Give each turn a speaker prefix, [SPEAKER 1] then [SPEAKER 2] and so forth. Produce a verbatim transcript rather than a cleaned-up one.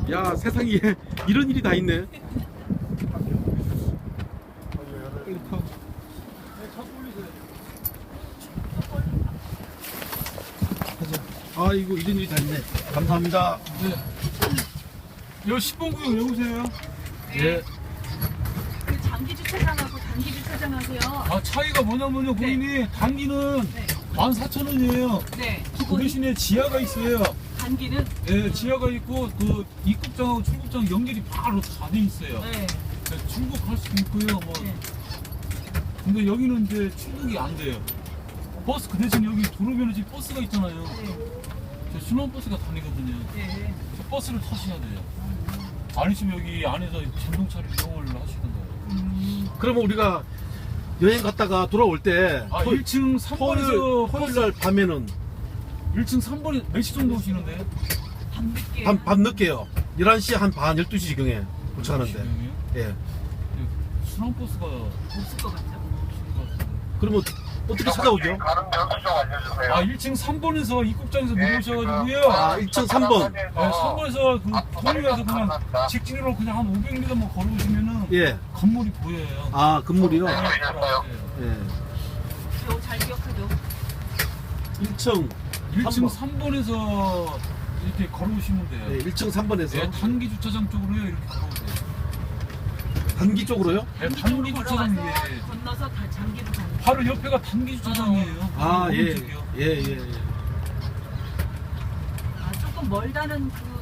[SPEAKER 1] 야, 세상에 이런 일이 다 있네. 빨리 타. 가자. 아, 이거 이런 일이 다 있네. 감사합니다.
[SPEAKER 2] 네. 여기 십 번 구역 여보세요?
[SPEAKER 1] 예.
[SPEAKER 3] 그 장기 주차장하고 단기 주차장하세요.
[SPEAKER 2] 아, 차이가 뭐냐면요, 고객님. 단기는
[SPEAKER 3] 네.
[SPEAKER 2] 만 사천 원이에요.
[SPEAKER 3] 네.
[SPEAKER 2] 그 대신에 지하가 있어요.
[SPEAKER 3] 단기는
[SPEAKER 2] 예, 지하가 있고, 그 입국장하고 출국장 연결이 바로 다 돼 있어요.
[SPEAKER 3] 네.
[SPEAKER 2] 네, 출국할 수도 있고요, 뭐.
[SPEAKER 3] 네.
[SPEAKER 2] 근데 여기는 이제 출국이 안 돼요. 버스, 그 대신 여기 도로변에 버스가 있잖아요.
[SPEAKER 3] 네.
[SPEAKER 2] 저 신혼버스가 다니거든요.
[SPEAKER 3] 네.
[SPEAKER 2] 저 버스를 타셔야 돼요. 아니시면 여기 안에서 전동차를 이용을 하시던가요.
[SPEAKER 3] 음.
[SPEAKER 1] 그러면 우리가 여행 갔다가 돌아올 때
[SPEAKER 2] 아,
[SPEAKER 1] 토-
[SPEAKER 2] 일 층 삼 번에서
[SPEAKER 1] 토요일, 토요일 날 밤에는
[SPEAKER 2] 일 층 삼 번에 몇 시 정도 오시는데?
[SPEAKER 3] 밤늦게.
[SPEAKER 1] 밤, 밤 늦게요. 열한 시 한 반, 열두 시 지경에 도착하는데.
[SPEAKER 2] 지금이요?
[SPEAKER 1] 예.
[SPEAKER 2] 순환버스가
[SPEAKER 3] 없을 것 같죠.
[SPEAKER 1] 그러면 어떻게 찾아오죠?
[SPEAKER 4] 가는 명수 좀 알려주세요.
[SPEAKER 2] 아, 일 층 삼 번에서 입국장에서 내려오셔가지고요.
[SPEAKER 1] 아, 일 층 삼 번.
[SPEAKER 2] 네, 삼 번에서 그 동료에서 그냥 직진으로 그냥 한 오백 미터만 걸어오시면은
[SPEAKER 1] 예.
[SPEAKER 2] 건물이 보여요.
[SPEAKER 1] 아, 건물이요?
[SPEAKER 2] 네,
[SPEAKER 1] 예.
[SPEAKER 3] 기억 잘 기억하죠.
[SPEAKER 1] 일 층
[SPEAKER 2] 일 층
[SPEAKER 1] 삼
[SPEAKER 2] 삼 번에서 이렇게 걸어오시면 돼요.
[SPEAKER 1] 예, 일 층 삼 번에서
[SPEAKER 2] 네, 단기 주차장 쪽으로요, 이렇게 걸어오세요.
[SPEAKER 1] 단기 쪽으로요?
[SPEAKER 2] 네, 단기 주차장
[SPEAKER 3] 걸어와서
[SPEAKER 2] 위에
[SPEAKER 3] 건너서 다 장기로 가는.
[SPEAKER 2] 바로 옆에가 단기 주차장이에요.
[SPEAKER 1] 아, 예.
[SPEAKER 2] 오른쪽이요.
[SPEAKER 1] 예, 예, 예.
[SPEAKER 3] 아, 조금 멀다는 그